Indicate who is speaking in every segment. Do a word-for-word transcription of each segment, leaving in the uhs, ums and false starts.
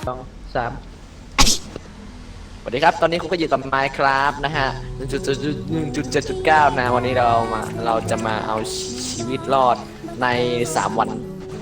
Speaker 1: สองสาม
Speaker 2: สวัสดีครับตอนนี้คุณก็อยู่กับ Minecraft นะฮะ หนึ่งจุดเจ็ดจุดเก้า นะวันนี้เรามาเราจะมาเอาชีวิตรอดในสามวัน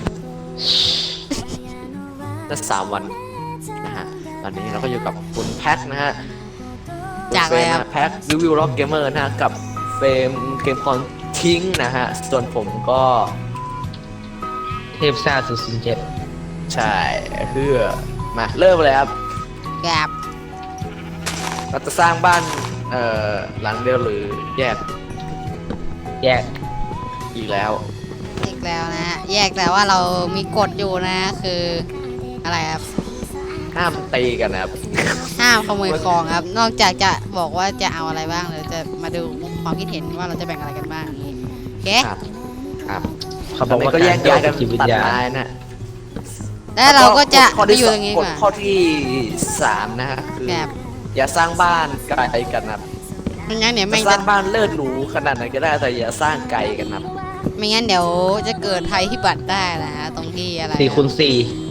Speaker 2: นั่นสามวันนะฮะตอนนี้เราก็อยู่กับคุณแพ็คนะฮะ
Speaker 3: จากอะไรครับ
Speaker 2: แพ็ครีวิวล็อกเกมเมอร์นะฮะกับเฟรมเกมคอนทิ้งนะฮะส่วนผมก็
Speaker 1: เทพซ่าศูนย์ศูนย์เจ็ด
Speaker 2: ใช่เพื่อมาเริ่มเลยครับ
Speaker 3: แกบ
Speaker 2: เราจะสร้างบ้านเอ่อหลังเดียวหรือแยก
Speaker 1: แยก
Speaker 2: อีกแล้ว
Speaker 3: อีกแล้วนะฮะแยกแต่ว่าเรามีกฎอยู่นะคืออะไรครับ
Speaker 2: ห้ามตีกันนะครับ
Speaker 3: ห้ามขโมยของครับ นอกจากจะบอกว่าจะเอาอะไรบ้างเราจะมาดูความคิดเห็นว่าเราจะแบ่งอะไรกันบ้างอย่างนี้โอเค
Speaker 2: ครับครับ
Speaker 1: เขาบอกว่า
Speaker 2: ก็แยกย้ายกัน
Speaker 1: จิตวิญ
Speaker 2: ตัด
Speaker 1: ญาณ
Speaker 2: ไม้นะ
Speaker 3: แล้วเราก็จะ
Speaker 2: ข้อ
Speaker 3: ไป
Speaker 2: ที่
Speaker 3: อยู่
Speaker 2: ส
Speaker 3: ตรงนี้
Speaker 2: ก
Speaker 3: ก่
Speaker 2: ฎ
Speaker 3: อน
Speaker 2: ข้อที่สามนะฮะคือ
Speaker 3: แกบ
Speaker 2: อย่าสร้างบ้านไกลกันนะครับ
Speaker 3: ไม่งั้นเดี๋ยว
Speaker 2: จะ
Speaker 3: แม่ง
Speaker 2: ส
Speaker 3: จะ
Speaker 2: ร้างบ้านเลิศหรูขนาดไหนก็ได้แต่อย่าสร้างไกลกันนะครับ
Speaker 3: ไม่งั้นเดี๋ยวจะเกิดภัยพิบัติได้นะฮะตรงที่อะไร
Speaker 1: สี่คูณสี่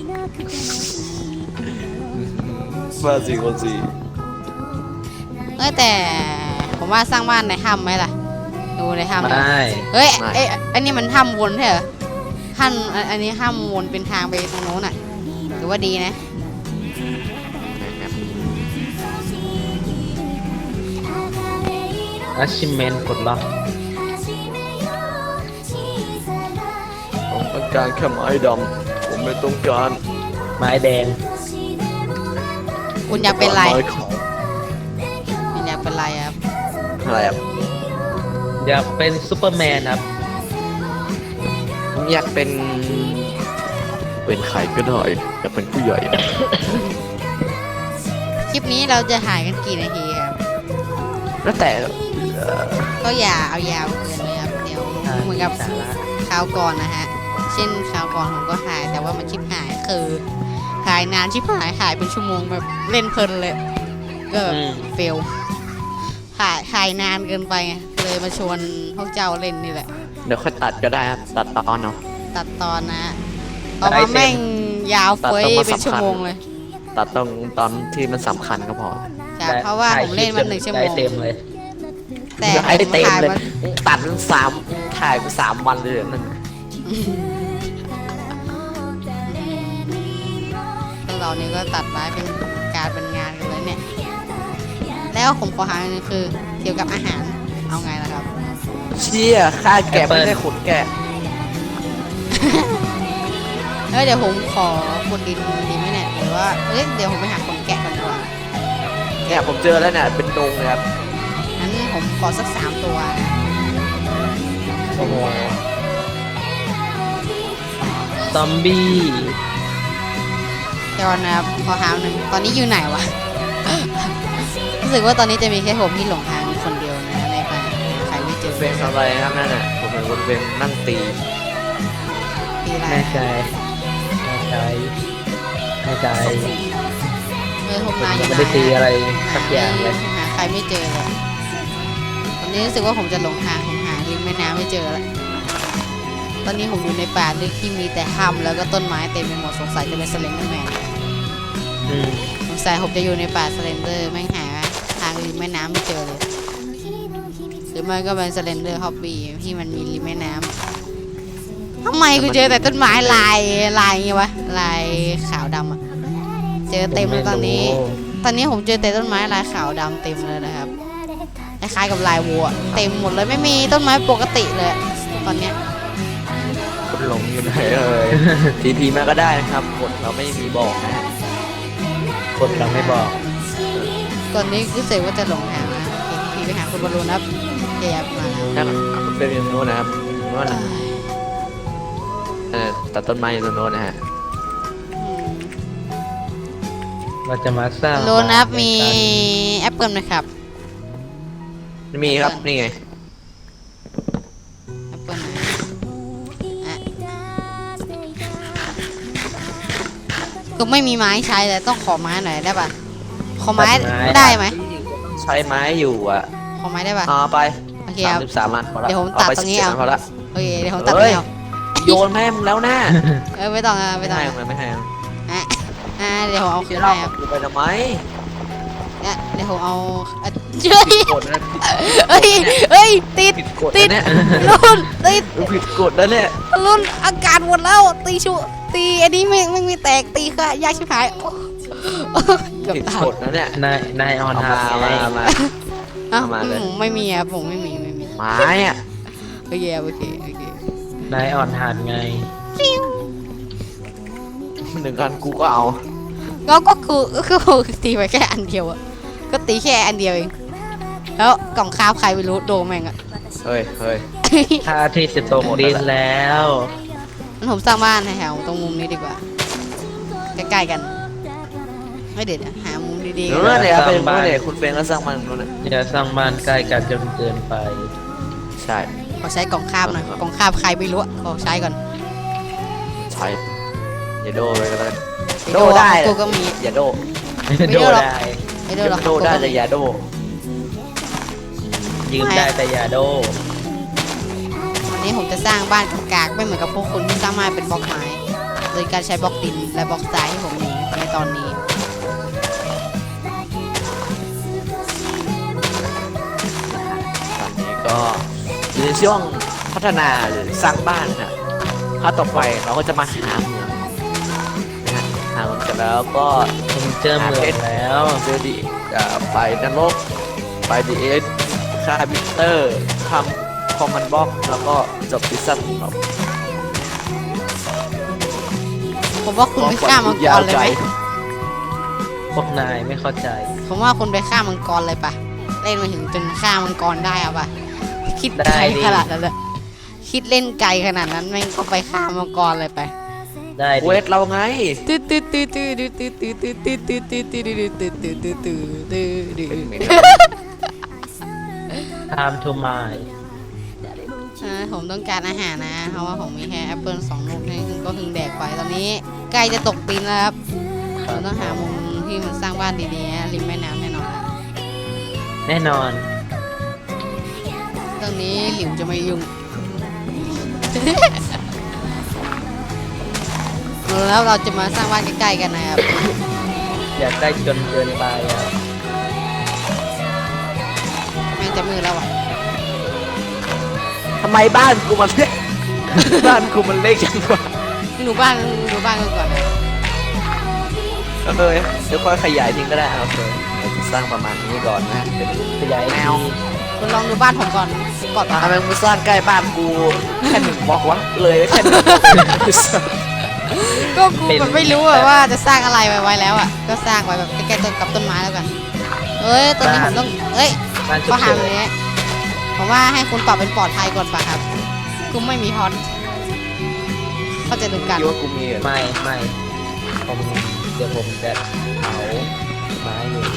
Speaker 2: บ้านสี่คนสี่
Speaker 3: เอ้ยแต่ผมว่าสร้างบ้านในถ้ำไหมล่ะดูในถ้ำ
Speaker 1: ไม่
Speaker 3: นะเฮ้ยเอ้ยอันนี้มันถ้ำวนใช่เหรอถ้ำอันอันนี้ถ้ำวนเป็นทางไปตรงโน้นอ่ะถือว่าดีนะ
Speaker 2: นะครับ
Speaker 1: อาชิเมนกดล็อก
Speaker 2: ผมต้องการแค่ไม้ดำผมไม่ต้องการ
Speaker 1: ไม้แดง
Speaker 3: คุณอยากเป็นอะไร
Speaker 2: ไม้ขาว
Speaker 3: คุณอยากเป็นอะไรครับ
Speaker 2: อะไรครับ
Speaker 1: อยากเป็นซูเปอร์แมนครับ
Speaker 2: ผมอยากเป็นเป็นใครก็ได้อยากเป็นผู้ใหญ่
Speaker 3: คลิปนี้เราจะหายกันกี่นาทีครับ
Speaker 2: แล้วแต่เอ่อ
Speaker 3: ก็อย่าเอายาวเกินเลยครับ เดี๋ยวเหมือนกับ
Speaker 1: สาระ
Speaker 3: คราวก่อนนะฮะ เช่นคราวก่อนผมก็หายแต่ว่ามันชิปหายคือหายนานชิปหายหายเป็นชั่วโมงแบบเล่นเพลินเลย ก็แบบ
Speaker 1: อืม
Speaker 3: เฟลหายหายนานเกินไปไงเลยมาชวนพวกเจ้าเล่นนี่แหละ
Speaker 2: เดี๋ยวค่อยตัดก็ได้ครับตัดตอนเนาะ
Speaker 3: ตัดตอนนะฮะออกมาแม่งยาวเฟ้ย
Speaker 2: ตัดตอนมา
Speaker 3: เป็นชั่ว
Speaker 2: สำคัญ
Speaker 3: โมงเลย
Speaker 2: ตัดตรงตอนที่มันสำคัญก็พอ
Speaker 3: จากเพราะว่าผมเล่นมันหนึ่งชั่วโม
Speaker 1: ได้
Speaker 3: ง
Speaker 1: เต็มเลย
Speaker 3: แต่
Speaker 2: ให้ได้เต็ม
Speaker 3: ถ่าย
Speaker 2: เลย
Speaker 3: มา
Speaker 2: ตัดเป็นสามถ่ายไปสามวันเลยเหรอนั่น
Speaker 3: พวกเรานี่ก็ตัดไม้เป็นการเป็นงานกันเลยเนี่ย แล้วผมขอหาอันนึงคือเกี่ยวกับอาหาร เอาไงล่ะครับ
Speaker 2: เชี่ยฆ่าแกะไม่ได้ขนแกะ
Speaker 3: เอ้ยเดี๋ยวผมขอขุดดินดีไหมเนี่ยหรือว่าเอ้ยเดี๋ยวผมไปหาคนแกะก่อนดีกว่า
Speaker 2: เนี่ยผมเจอแล้วเนี่ยเป็นดงเลยครับ
Speaker 3: งั้นผมขอสักสามตัวนะ
Speaker 1: โอ้โหซอมบี้
Speaker 3: เดี๋ยวนะครับขอหาหนึ่งตอนนี้อยู่ไหนวะ รู้สึกว่าตอนนี้จะมีแค่ผมที่หลงทางคนเดียวนะในป่าใครไม่เจอ
Speaker 2: เฟรมทำอะไรครับนั่นน่ะผมเห็นคนเฟรมนั่งตี
Speaker 3: ตีอะไร
Speaker 1: แน่ใจแน่ใจแน่ใจ
Speaker 3: เออผมนายอยู่ไหน
Speaker 1: ไม่ได้ตีอะไรสักอย่างเลย
Speaker 3: หาใครไม่เจอเลยตอนนี้รู้สึกว่าผมจะหลงทางผมหาริมแม่น้ำไม่เจอแล้วตอนนี้ผมอยู่ในป่าลึกที่มีแต่ถ้ำแล้วก็ต้นไม้เต็มไปหมดสงสัยจะเป็นสเลนเดอร์แมน
Speaker 1: อืม
Speaker 3: สงสัยผมจะอยู่ในป่าสเลนเดอร์แม่งหาทางริมแม่น้ำไม่เจอเลยหรือไม่ก็เป็นสเลนเดอร์ฮอบบี้ที่มันมีริมแม่น้ำทำไมกูเจอแต่ต้นไม้ลายลายอย่างงี้วะลายขาวดำอะเจอเต็มเลยตอนนี้ ตอนนี้ผมเจอแต่ต้นไม้ลายขาวดำเต็มเลยนะครับคล้ายๆกับลายวัวเต็มหมดเลยไม่มีต้นไม้ปกติเลยตอนเนี้ย
Speaker 2: คนหลงอยู่ไหนเอ่ย ทีพีมาก็ได้นะครับกดเราไม่มีบอกนะฮะ
Speaker 1: กดเราไม่บอก
Speaker 3: ตอนนี้รู้สึกว่าจะหลงทางนะเห็นทีไปหาคุณบอลลูนครับแกบมา
Speaker 2: นั่นเฟรมอยู่ตรงโน้นนะครับโน้นน่ะเออตัดต้นไม้อยู่ตรงโน้นนะฮะ
Speaker 1: เราจะมาสร้าง
Speaker 3: โลนับมี
Speaker 1: บ้านด้วยกัน
Speaker 3: แอปเปิลไหมครับ
Speaker 2: มีครับนี่ไง
Speaker 3: แอปเปิลไหนอ่ะก็ไม่มีไม้ใช้เลยต้องขอไม้หน่อยได้ปะขอไม้ได้ไหม
Speaker 2: ใช้ไม้อยู่อ่ะ
Speaker 3: ขอไม้ได้ปะ
Speaker 2: เอาไป
Speaker 3: โอเค
Speaker 2: สา
Speaker 3: ค
Speaker 2: ม
Speaker 3: รับ
Speaker 2: สิบสามอันพอละ
Speaker 3: เดี๋ยวผม
Speaker 2: เอาไป
Speaker 3: ตัดตรงนี้
Speaker 2: สิบ
Speaker 3: เอา
Speaker 2: เจ็ดอันพอละ
Speaker 3: โอเคเดี๋ยวผมตัดไม่เอา
Speaker 2: โยนแม่มึงแล้วนะ
Speaker 3: เออไม่ต้องอ่ะไม่
Speaker 2: ไม่
Speaker 3: ต้อง
Speaker 2: ให้
Speaker 3: อ่ะ
Speaker 2: มึงไม่ให้มึง
Speaker 3: อ่ะอ่าเดี๋ยวผมเอาคื
Speaker 2: เดี๋ย
Speaker 3: น
Speaker 2: วเรา
Speaker 3: ให้ครับ
Speaker 2: กูไปทำไม
Speaker 3: เนี่ยเดี๋ยวผมเอาอ่ะเฮ้ย
Speaker 2: ผิดกฎนะ
Speaker 3: เฮ้ยเฮ้ยติด
Speaker 2: ผิดกฎ
Speaker 3: ติด
Speaker 2: นะเนี่ย
Speaker 3: รุ่นติด
Speaker 2: ผิดกฎนะเนี่ย
Speaker 3: รุ่นอากาศหมดแล้วตีชูตีอันนี้ไม่ไม่ไม่แตกตีค่ะยากชิบหายโอ้เกือบ
Speaker 2: ผิด
Speaker 3: ตาย
Speaker 2: กฎนะเนี่ย
Speaker 1: นายนายออน
Speaker 2: เอา
Speaker 1: ฮา
Speaker 2: มา
Speaker 1: ร์
Speaker 2: เอามาเอามา
Speaker 3: อ้าว
Speaker 2: เอามาเลย
Speaker 3: อืมไม่มีครับผมไม่มีไม่มี
Speaker 2: ไม้อะ
Speaker 3: โอเคโอเคโอเคน
Speaker 1: ายออนฮาร์ไง
Speaker 2: หนึ่งกันกูก็เอา
Speaker 3: ก็ก็คือก็คือตีไปแค่อันเดียวอะก็ตีแค่อันเดียวเองแล้วกล่องข้าวใครไม่รู้โดนแม่งอะ
Speaker 2: เฮ้ยเฮ้ย
Speaker 1: ถ้าอาทิตย์จะตกดินแล้ว
Speaker 3: งั้นผมสร้างบ้านแถวๆตรงมุมนี้ดีกว่า ใกล้ๆกัน ไม่เด็ดอะหามุมดีๆ
Speaker 2: เดี๋
Speaker 3: กั
Speaker 2: ยวน เนี่ยเป็นเมื่อเนี่ยคุณเฟรนก็สร้างมันนู้นนะ
Speaker 1: อย่าสร้างบ้านใกล้กันจนเกินไป
Speaker 2: ใช่
Speaker 3: ขอใช้กล่องข้าวหน่อยกล่องข้าวใครไม่รู้อะขอใช้ก่อน
Speaker 2: ใช่อย่าโดไปกันเลย
Speaker 3: อ้
Speaker 2: โดได้
Speaker 3: กูก็มี
Speaker 2: อย่าโด
Speaker 3: ไม่
Speaker 1: โด
Speaker 3: โดหรอก
Speaker 1: ได้
Speaker 3: ไม่โดนหรอก
Speaker 2: โดได้แต่อย่าโด
Speaker 1: ยืมได้แต่อย่าโด
Speaker 3: วันนี้ผมจะสร้างบ้านกากๆไม่เหมือนกับพวกคุณที่สร้างมาเป็นบล็อกไม้โดยการใช้บล็อกดินและบล็อกทรายที่ผมมีในตอนนี้
Speaker 2: ตอนนี้ก็อยู่ในช่วงพัฒนาหรือสร้างบ้านนะถ้าต่อไปเราก็จะมาหาเมืองนะฮะหาเมืองเสร็จแล้วก็
Speaker 1: ผมเจอเมืองแล้ว
Speaker 2: เจอดีอ่าไปนรกไปดีเอสฆ่าบิตเตอร์ทำคอมมานด์บล็อกแล้วก็จบซีซั่นครับ
Speaker 3: ผมว่าคุณไปฆ่ามังกรเลยไหม
Speaker 1: พวกนายไม่เข้าใจ
Speaker 3: ผมว่าคุณไปฆ่ามังกรเลยปะเล่นมาถึงจนฆ่ามังกรได้อะปะคิด
Speaker 1: ได้
Speaker 3: ไกล
Speaker 1: ดิ
Speaker 3: ขนาดนั้นเลยคิดเล่นไกลขนาดนั้นแม่งก็ไปฆ่ามังกรเลยไป
Speaker 1: ได้
Speaker 2: เว
Speaker 1: ดิ
Speaker 2: ทเราไง
Speaker 3: ตื้อตื้อตื้อตื้อตื้อตื้อตื้อตื้อตื้อตื้อตื้อตื้อตื้อตื้อตื้อตื้อตื้อตื้อ
Speaker 1: time to mine
Speaker 3: อ่าผมต้องการอาหารนะ เพราะว่าผมมีแค่แอปเปิลสองลูกนี่คือก็คือแดกไปตอนนี้ใกล้จะตกปีนแล้วครับผมต้องหามุมที่มันสร้างบ้านดีๆนะริมแม่น้ำแน่นอนนะ
Speaker 1: แน่นอน
Speaker 3: ตรงนี้หลิวจะไม่ยุ่ง แล้วเราจะมาสร้างบ้านใกล้ๆกันนะครับ
Speaker 1: อย่าใกล้จนเกินไปอ่ะ
Speaker 3: แม่งจะมืดแล้วอ่ะ
Speaker 2: ทำไมบ้านกูมันเล็ก บ้านกูมันเล็กจังวะ
Speaker 3: หนูบ้านหนูบ้านกันก่อนนะ
Speaker 2: โอเคเดี๋ยวค่อยขยายทิ้งก็ได้โอเคเราจะสร้างประมาณนี้ก่อนนะเป็น
Speaker 1: ขยาย
Speaker 2: แน
Speaker 1: ที
Speaker 2: ว
Speaker 3: คุณลองดูบ้านผมก่อนก่อน
Speaker 2: ทำไมมึงสร้างใกล้บ้านกูแค่หนึ่งบล็อกวะเลยแค่หนึ่งบล็อก
Speaker 3: ก็กูแบบไม่รู้อะว่าจะสร้างอะไรไว้ไว้แล้วอ่ะก็สร้างไว้แบบใกล้ๆต้นกับต้นไม้แล้วกันเอ้ยตอนนี้ผมต้องเอ้ย
Speaker 1: บ้านฉุ
Speaker 3: ก็
Speaker 1: กเฉิ
Speaker 3: หาน อย่างเงี้ยผมว่าให้คุณปรับเป็นปลอดภัยก่อนป่ะครับกูไม่มีฮอตเข้าใจดูกัน
Speaker 2: คิดว่ากูมีเหรอ
Speaker 1: ไม่ไม่ผมเดี๋ยวผมจะเผาไม้อยู่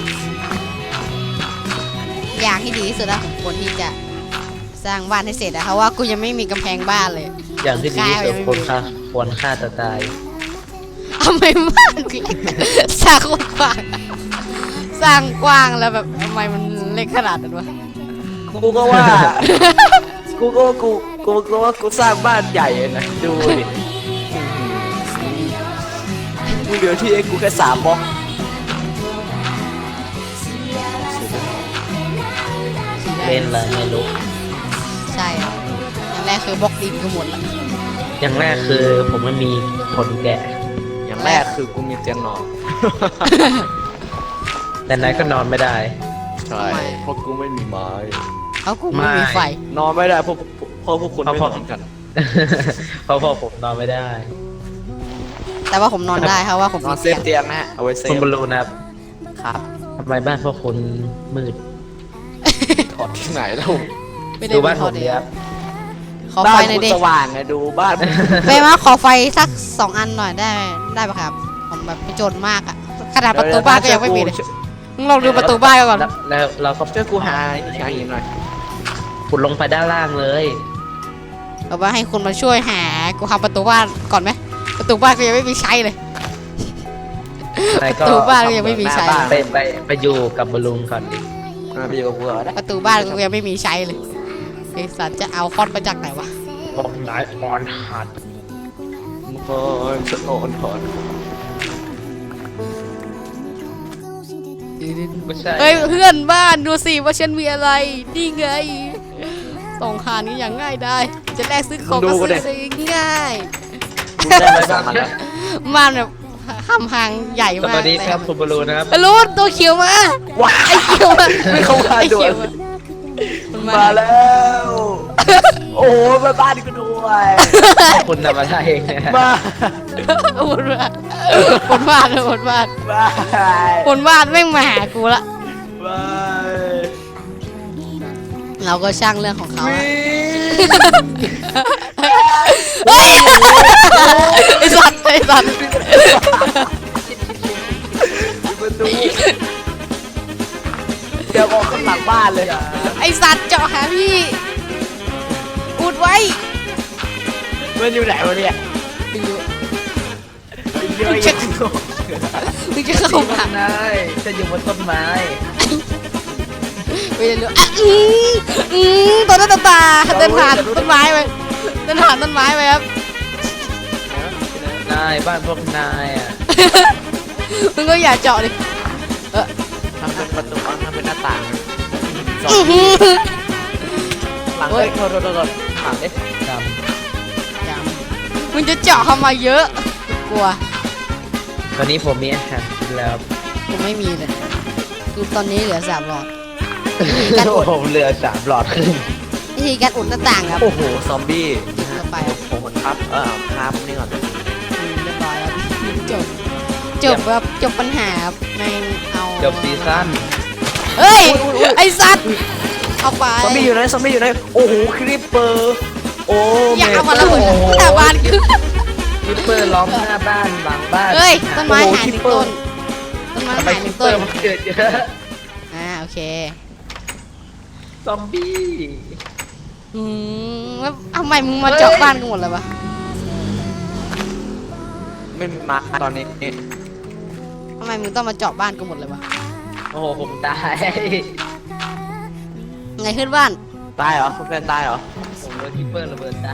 Speaker 3: อย่างที่ดีที่สุดแล้วของคนที่จะสร้างบ้านให้เสร็จอะเพราะว่ากูยังไม่มีกำแพงบ้านเลย
Speaker 1: อย่างที่ดีที่สุดควรฆ่าควรฆ่าตัวตาย
Speaker 3: ทำไมบ้านกูเล็กสร้างกว้างสร้างกว้างแล้วแบบทำไมมันเล็กขนาดนั้นวะ
Speaker 2: กูก็ว่า กูก็ว่ากูกูก็ว่ากูสร้างบ้านใหญ่เลยนะดูดิกูเหลือที่เองกูแค่สามบล็อก
Speaker 1: เล่นอะไรไม่รู้
Speaker 3: ใช่ครับอย่างแรกคือบล็อกดินก็หมดละ
Speaker 1: อย่างแรกคือผมไม่มีคนแกะ
Speaker 2: อย่างแรกคือกูมีเตียงนอน
Speaker 1: แต่นายก็นอนไม่ได้
Speaker 2: ใช่เพราะกูไม่มีไม้
Speaker 3: เขากูไม่มีไฟ
Speaker 2: นอนไม่ได้เพราะเพราะพวกคุณไม่นอนกัน
Speaker 1: เพราะพ่อผมนอนไม่ได้
Speaker 3: แต่ว่าผมนอนได้เพราะว่าผม
Speaker 2: นอ
Speaker 3: มี
Speaker 2: นเซ
Speaker 3: เตี
Speaker 2: ฟ
Speaker 3: ยง
Speaker 2: เตียงนะฮะเอาไว้เซ
Speaker 1: คุณ
Speaker 2: ฟ
Speaker 1: บอลลูนนะครับ
Speaker 2: ครับ
Speaker 1: ทำไมบ้านพวกคุณมืด
Speaker 2: ถอดที่ไหนแล้ว
Speaker 3: ไม่ได้
Speaker 1: ดูบ้าน
Speaker 3: มี
Speaker 1: ผ
Speaker 3: ข้อ
Speaker 1: ม
Speaker 3: ดี
Speaker 1: เนี่ยครับ
Speaker 3: ขอ
Speaker 2: บ้า
Speaker 3: ไฟ
Speaker 2: น
Speaker 3: หน่อย
Speaker 2: กู
Speaker 3: ดิ
Speaker 2: สว่างไงดูบ้าน
Speaker 3: ไปมาขอไฟสักสองอันหน่อยได้ได้ปะครับผมแบบไปจนมากอะขนาดประตูบ้านก็ยังไม่มีเลยมึงลองดูประตูบ้านก่อน
Speaker 1: แล้วแล้วเราก็
Speaker 2: ช่วยกูหาหาหินหน่อย
Speaker 1: ขุดลงไปด้านล่างเลย
Speaker 3: เอาว่าให้คุณมาช่วยหากูทำประตูบ้านก่อนไหมประตูบ้านก็ยังไม่มีใช้เลย
Speaker 1: นาย
Speaker 3: ป
Speaker 1: ก็
Speaker 3: ระตูบ้านก็ยังไม่มีใช้
Speaker 1: ไปไปไปอยู่กับบอลลูนก่อนดิ
Speaker 2: มาไปอยู่กับกูเหรอได้
Speaker 3: ประตูบ้านก็ยังไม่มีใช้เลยไอ้สัตว์จะเอาคอนมาจากไหนวะ
Speaker 1: บอกนายออนหัด
Speaker 2: โอ้ยฉันโอนถอน
Speaker 1: ไม่ใช่
Speaker 3: เฮ้ยเพื่อนบ้านดูสิว่าฉันมีอะไรนี่ไงสองหานี้อย่างง่ายได้จะแลกซื้อของก็ซื้อง่าย
Speaker 2: กูได้มาสองอันแล้ว
Speaker 3: มันแบบคำพังใหญ่
Speaker 1: ส
Speaker 3: มาก
Speaker 1: วัสดีครับคุณบอลลูนนะครับ
Speaker 3: รู้ตัวเขียวมา
Speaker 2: ว้า
Speaker 3: ไอ้เขียวมา
Speaker 2: ไม่เข้ามา
Speaker 3: ไอ้
Speaker 2: ด่ว
Speaker 3: เขีย
Speaker 2: น
Speaker 3: วมามัน
Speaker 2: มาแล้ว โอ้โหมาบ้านกูด้วย
Speaker 1: คุณทำอะไรเองเนี่ย
Speaker 2: มา
Speaker 3: บนบ้านบนบ้านบนบ้าน
Speaker 2: บาย
Speaker 3: บนบ้านแม่งมาหากูละ
Speaker 2: บาย
Speaker 3: เราก็ช่างเรื่องของเขา
Speaker 2: วิ่
Speaker 3: อะ
Speaker 2: ง
Speaker 3: เฮ้ยไอ้สัตว์ไอ้สัตว์
Speaker 2: ประตูเดี๋ยวออกข้างหลังบ้านเลย
Speaker 3: ไอ้สัตว์เจาะหาพี่อุดไว้
Speaker 2: มันอยู่ไหนวะเนี่ย
Speaker 3: ไม่รู้
Speaker 2: เยอะแยะ
Speaker 3: มึงจะเข้ามา
Speaker 1: นายจะอยู่บนต้นไม้
Speaker 3: ไม่รู้อ่ะอืมอืมตัวหน้าตาตาเดินผ่านต้นไม้ไปเดินผ่านต้นไม้ไปครับ
Speaker 1: นายบ้านพวกนายอ่ะ
Speaker 3: มึงก็อย่าเจาะดิ
Speaker 2: ทำเป็นประตูทำเป็นหน้าต่างสอง
Speaker 3: อื้อหือ
Speaker 2: หลังเฮ้ยโทษโทษโทษหลังเอ๊ะ
Speaker 1: จ
Speaker 3: อย่ามึงจะเจาะเข้ามาเยอะกลัว
Speaker 1: ำตอนนี้ผมมีอาหารกินแล้ว
Speaker 3: กูไม่มีเลยคือตอนนี้เหลือสามหลอด
Speaker 1: โอ้โหเหลือสามหลอดครึ่ง
Speaker 3: วิธีการอุดหน้าต่างครับ
Speaker 2: โอ้โหซอมบี้
Speaker 3: ติดเข้าไป
Speaker 2: ผมมันครับเออครับนี่ก่อน
Speaker 3: อืมเรียบร้อยแล้วจบจบแบบจบปัญหาครับแม่งเอา
Speaker 1: จบซีซั่น
Speaker 3: เฮ้ยไอสัตว์เอาไป
Speaker 2: ซอมบี้อยู่ไหนซอมบี้อยู่ไหนโอ้โหคริปเปอร์โอ้
Speaker 3: อย่าเอามาระเบิดหน้าบ้านคือ
Speaker 1: คิปเปอร์ล้อมหน้าบ้านหลังบ้าน
Speaker 3: เฮ้ยต้นไม้หายหนึ่งต้นต้นไม้
Speaker 1: ทำไม
Speaker 3: หายห
Speaker 1: คิ
Speaker 3: นึ่
Speaker 1: ป
Speaker 3: ง
Speaker 1: เป
Speaker 3: ต้
Speaker 1: อน ร์มันเกิดเยอะ
Speaker 3: อ่าโอเค
Speaker 1: ซอมบี้
Speaker 3: อืมแล้วทำไมมึงมาเจาะบ้านกันหมดเลยวะ
Speaker 2: ไม่มาตอนนี้
Speaker 3: ทำไมมึงต้องมาเจาะบ้านกันหมดเลยวะ
Speaker 1: โอ้โหผมตาย
Speaker 3: ไงขึ้นบ้าน
Speaker 2: ตายเหรอเพื่อนตายเหรอ
Speaker 1: ผมโดนคิปเปอร์ระเบิดตาย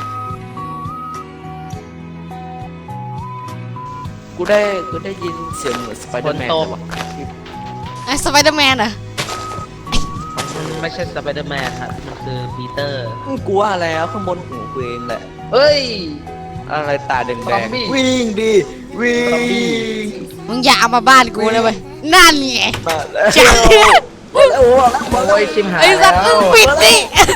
Speaker 2: กูได้กูได้ยินเสียงเหมือนสไปเดอร์แมนเลยว่ะ
Speaker 3: ไอ้สไปเดอร์แมนเหรอ
Speaker 1: มันไม่ใช่สไปเดอร์แมนครับมันคือปีเตอร์
Speaker 2: กูว่าแล้วข้างบนหูกูเองแหละ
Speaker 1: เฮ้ย
Speaker 2: อะไรตาแดง
Speaker 1: ซอมบี้
Speaker 2: ๆวิ่งดิวิ่
Speaker 1: ซอมบี้
Speaker 2: ง
Speaker 3: มึงอย่าเอามาบ้านกูเลยเว้ยนั่นไง
Speaker 2: มาแล้ว
Speaker 3: จ้า
Speaker 2: โอ้โห
Speaker 1: โอ้ยชิมหาย
Speaker 3: ไอ้สัตว์มึงปิดดิ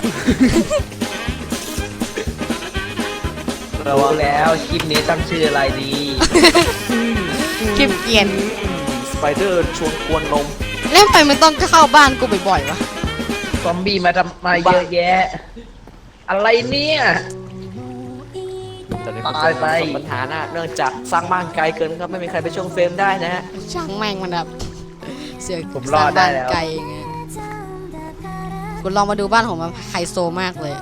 Speaker 2: ระวั
Speaker 1: รู้
Speaker 2: ง
Speaker 1: แล้วคลิปนี้ตั้งชื่ออะไรดี
Speaker 3: คลิปเกรียน
Speaker 2: สไปเดอร์ชวนกวนนม
Speaker 3: แล้วทำไมมึงต้องเข้าบ้านกูบ่อยๆวะ
Speaker 1: ซอมบี้มาทำมาเยอะแยะ อะไรเนี่ย
Speaker 2: ตอนนี้
Speaker 1: ตายไป
Speaker 2: ประสบปัญหาหน้าเนื่องจากสร้างบ้านไกลเกินครับไม่มีใครไปช่วงเฟรมได้นะฮะ
Speaker 3: ช่างแม่งมันแบบเสือก
Speaker 1: ผมรอดได้แล้ว
Speaker 3: สร้างบ้านไกลไงกูลองมาดูบ้านของมันไฮโซมากเลย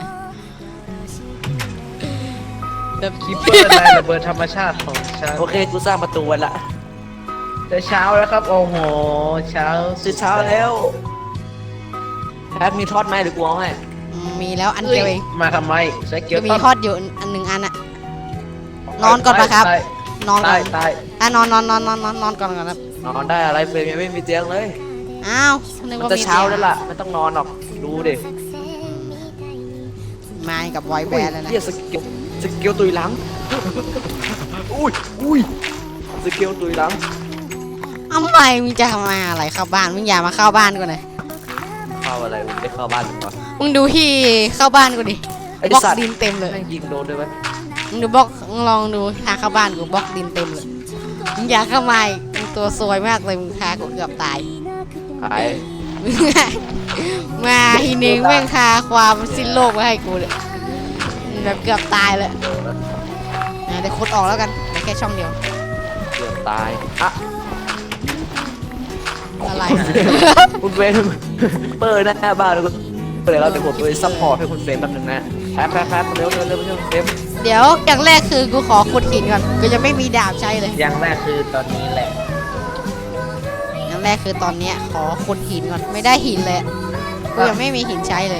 Speaker 3: แบบ
Speaker 1: คิปเปอร์นายระเบิดธรรมชาติของฉัน
Speaker 2: โอเคกูสร้างประตูไว้ละ
Speaker 1: จะเช้าแล้วครับ โอ้โห เช้า
Speaker 2: จะเช้าแล้วแพทมีทอดไหมหรือกูเอาให้
Speaker 3: มีแล้วอัน
Speaker 1: เอ้
Speaker 3: เดียวเอย ง
Speaker 1: มาทำไมใช้เกี๊ยว
Speaker 3: ก็มีทอดอยู่อันหนึ่งอันอะ นอนก่อนปะครับ
Speaker 1: ตาย
Speaker 3: นอนก่
Speaker 1: ตา
Speaker 3: อย น
Speaker 1: ตาย
Speaker 3: อ่ะนอนนอนนอนนอนนอนนอนก่อนก่อนครับ
Speaker 2: นอนได้อะไรเฟรมยังไม่มีเตียงเลย
Speaker 3: อ้าวนึก
Speaker 2: มัน
Speaker 3: ว่า
Speaker 2: จะ
Speaker 3: มี
Speaker 2: เช้า
Speaker 3: ตียง
Speaker 2: แล้วล่ะไม่ต้องนอนหรอกดูดิ
Speaker 3: มากับไวแบนแล้วนะ
Speaker 2: เฮียสกิลสกิลตุยหลังอุ้ยอุ้ยสกิลตุยหลัง
Speaker 3: ทำไมมึงจะมาอะไรเข้าบ้านมึงอย่ามาเข้าบ้านกูหน่อย
Speaker 2: เข้าอะไรมึงได้เข้าบ้านหรือเปล่า
Speaker 3: มึงดูที่เข้าบ้านกูดิ
Speaker 2: ไอ้
Speaker 3: บล็อก
Speaker 2: สัตว์
Speaker 3: ดินเต็มเลย
Speaker 2: แม่งยิงโดนด้วยไหม
Speaker 3: มึงดูบล็อกมึงลองดูทางเข้าบ้านกูบล็อกดินเต็มเลยมึงอย่าเข้ามาอีกมึงตัวซวยมากเลยมึงพากูเกือบตาย
Speaker 2: หาย
Speaker 3: มาทีนึงแม่งพาความสิ้นโลกมาให้กูเลยแบบเกือบตายเลยนะเดี๋ยวคุดออกแล้วกันแต่แค่ช่องเดียว
Speaker 2: เกือบตายอ่ะ
Speaker 3: อะไร
Speaker 2: คุณเฟรมเปิดหน้าบ้านแล้วก็เดี๋ยวเราจะกดตัวซัพพอร์ตให้คุณเฟรมแป๊บนึงนะแป๊บแป๊บแป๊บเร็วเร็วเร็วเร็วเฟรม
Speaker 3: เดี๋ยวอย่างแรกคือกูขอขุดหินก่อนกูจะไม่มีดาบใช้เลย
Speaker 1: อย่างแรกคือตอนนี้แหละ
Speaker 3: อย่างแรกคือตอนเนี้ยขอขุดหินก่อนไม่ได้หินเลยกูยังไม่มีหินใช้เลย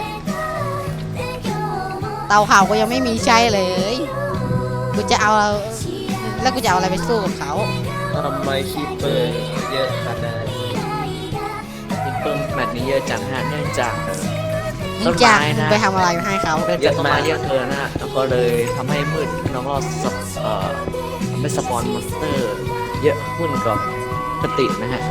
Speaker 3: เตาเผากูยังไม่มีใช้เลยกูจะเอาแล้วกูจะเอาอะไรไปสู้กับเขา
Speaker 1: ทำไมคิปเปอร์เยอะขนาดนี้
Speaker 2: เพิ่มแมตช์นี้เยอะจังฮะเนื่องจากเอ่อ
Speaker 3: มึงจะมึงไปทำอะไรให้เขา
Speaker 2: เนื่องจากต้นไม้เยอะเกินนะฮะแล้วก็เลยทำให้มืดแล้วก็สปเอ่อทำให้สปอนมอนสเตอร์ เยอะขึ้นกับปกตินะฮะ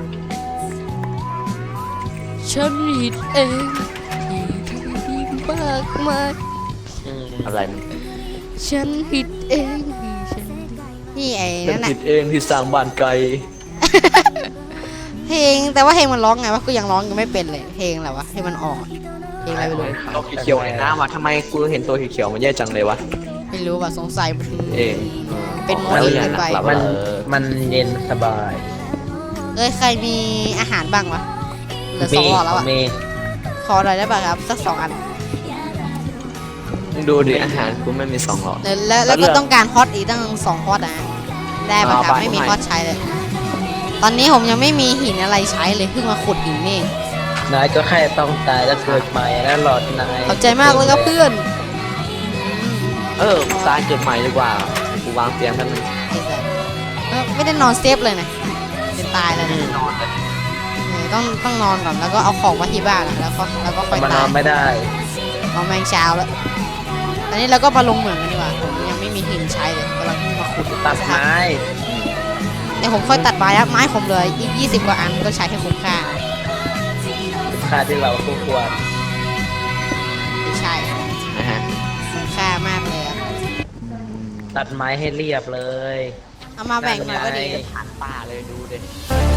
Speaker 3: ฉันผิดเองที่มากมาย
Speaker 1: อืม
Speaker 2: อะไรมัน
Speaker 3: ฉันผิดเองที่ฉันนี่ไอ้
Speaker 2: เป็น
Speaker 3: นั่นน่ะ
Speaker 2: ผิดเองที่สร้างบ้านไกล
Speaker 3: เพลงแต่ว่าเพลงมันร้องไงวะกูยังร้องยังไม่เป็นเลยเพลงอะไรวะให้มันออกเพลงอะไรไม่รู้
Speaker 2: ตัวเขียวๆในน้ำอ่ะทำไมกูเห็นตัวเขียวๆมันแย่จังเลยวะ
Speaker 3: ไม่รู้ว่ะสงสัยมัน
Speaker 2: เอง
Speaker 3: เป็นโม
Speaker 2: แล้ว
Speaker 3: เดล
Speaker 2: อย่าง
Speaker 3: เกินไป
Speaker 2: หลับ
Speaker 1: มัน
Speaker 2: เออ
Speaker 1: มันเย็นสบาย
Speaker 3: เอ้ยใครมีอาหารบ้างวะเหลือสองหลอดแล้วอ่ะ
Speaker 1: มี
Speaker 3: ขอหน่อยได้ป่ะครับสักสองอัน
Speaker 2: ดูดิอาหารกูไม่มีสองหลอด
Speaker 3: แล้วแล้วแล้วก็ต้องการฮอตอีกตั้งสองฮอตนะได้ป่ะครับ
Speaker 2: เอาไป
Speaker 3: ไม่มี
Speaker 2: ให้
Speaker 3: ฮอตใช้เลย ตอนนี้ผมยังไม่มีหินอะไรใช้เลยเพิ่งมาขุดหินนี่เอง
Speaker 1: นายก็แค่ต้องตายแล้วเกิดใหม่แล้วหลอดนาย
Speaker 3: ขอบใจมากเลยครับเพื่อน
Speaker 2: เออตายเกิดใหม่ดีกว่ากูวางเตียงกันง
Speaker 3: ไอ้สัสเออไม่ได้นอนเซฟเลยนะจะตายแล้วนะ
Speaker 2: นอนเลย
Speaker 3: เออต้องต้องนอนก่อนแล้วก็เอาของมาที่บ้านอะแล้วก็แล้วก็ค่อย
Speaker 1: มันน
Speaker 3: ตา
Speaker 1: อย นไม่ได้
Speaker 3: เอาแมงเช้าแล้วตอนนี้เราก็มาลงเหมืองกันดีกว่าผมยังไม่มีหินใช้เลยกำลังเพิ่งมาขุด
Speaker 1: ตัดไม้
Speaker 3: เดี๋ยวผมค่อยตัดไม้ครับไม้ผมเหลยอีกยี่สิบกว่าอันก็ใช้ให้คุ้มค่า
Speaker 1: ค่าที่เราคู่ควร
Speaker 3: ไม่ใช่
Speaker 2: นะฮะ
Speaker 3: คุ้มค่ามากเลยครับ
Speaker 1: ตัดไม้ให้เรียบเลย
Speaker 3: เอามาแบ่งหน่อยก็ดี
Speaker 1: ได้
Speaker 2: ผ่านป่าเลยดูดิ
Speaker 3: เ